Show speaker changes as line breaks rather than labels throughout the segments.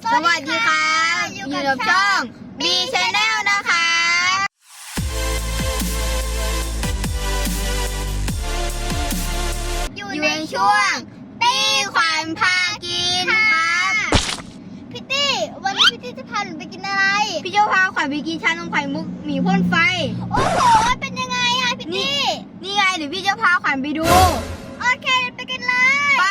สวัสดีครับอยู่กับช่อง B Channel นะคะอยู่ในช่วงตี้ขวัญพากินครับพี่ตี้วันนี้พี่ตี้จะพาหนูไปกินอะไรพี่เจ้าพาขวัญไปกินชานมไข่มุกหมีพ่นไฟโอ้โหเป็นยังไงอะพี่ตี้นี่ไงเดี๋ยวพี่เจ้าพาขวัญไปดูโอเคไปกันเลยไป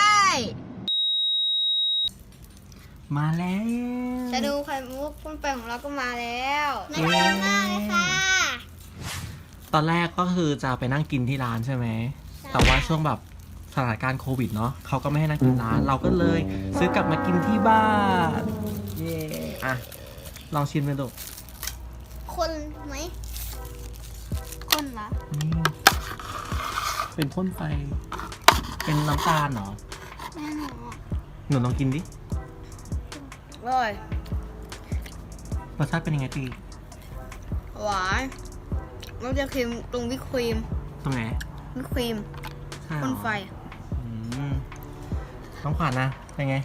มาแล้ว
จะดูไข่มุกพ่นไฟของเราก็มาแล้วน่า
เย้
กินมากเลยค่ะ
ตอนแรกก็คือจะไปนั่งกินที่ร้านใช่ไหม แต่ว่าช่วงแบบสถานการณ์โควิดเนาะเขาก็ไม่ให้นั่งกินร้าน เราก็เลยซื้อกลับมากินที่บ้าน เย่อะลองชิมเลยดู
คนไหมคนเหรอ
นี่เป็นพ่นไฟ เป็นน้ำตาลเหรอ
แม่หนู
หนูลองกินดิ
อร่อย
รสชาติเป็นยังไงตี
หวานมันจะครีมตรงวิปครีม
ตรงไหน
วิปครีม
ใช่เหร
พ่
อน
ไฟ
อืมน้องขวัญนะ เป็นไง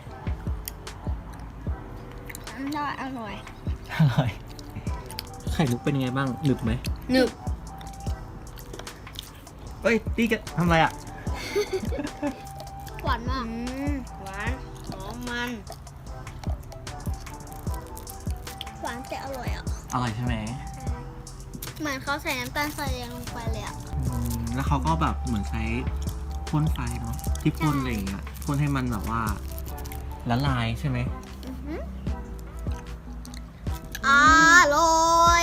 น่าอร่อย
อร่อย ไข่มุกเป็นยังไงบ้าง หนึบไหม
หนึบ
เอ้ยตีกันทำอะไรอ่ะ
หวานมากหวานหอมมันหวานแต่อร่อยอ่ะ
อร่อยใช่ไหม
เหมือนเขาใส่น้ำตาลทรายแดงลงไปเลยอ่ะ
แล้วเขาก็แบบเหมือนใช้พ่นไฟเนาะที่พ่นอะไรอย่างเงี้ยพ่นให้มันแบบว่าละลายใช่ไหม
อร่อย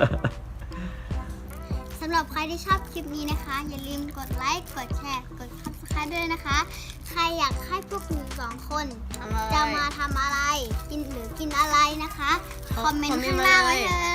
สำหรับใครที่ชอบคลิปนี้นะคะ อย่าลืมกดไลค์ กดแชร์ กด Subscribe ด้วยนะคะ ใครอยากให้พวกหนูสองคนจะมาทำอะไร กินหรือกินอะไรนะคะ คอมเมนต์ข้างล่างไว้เลย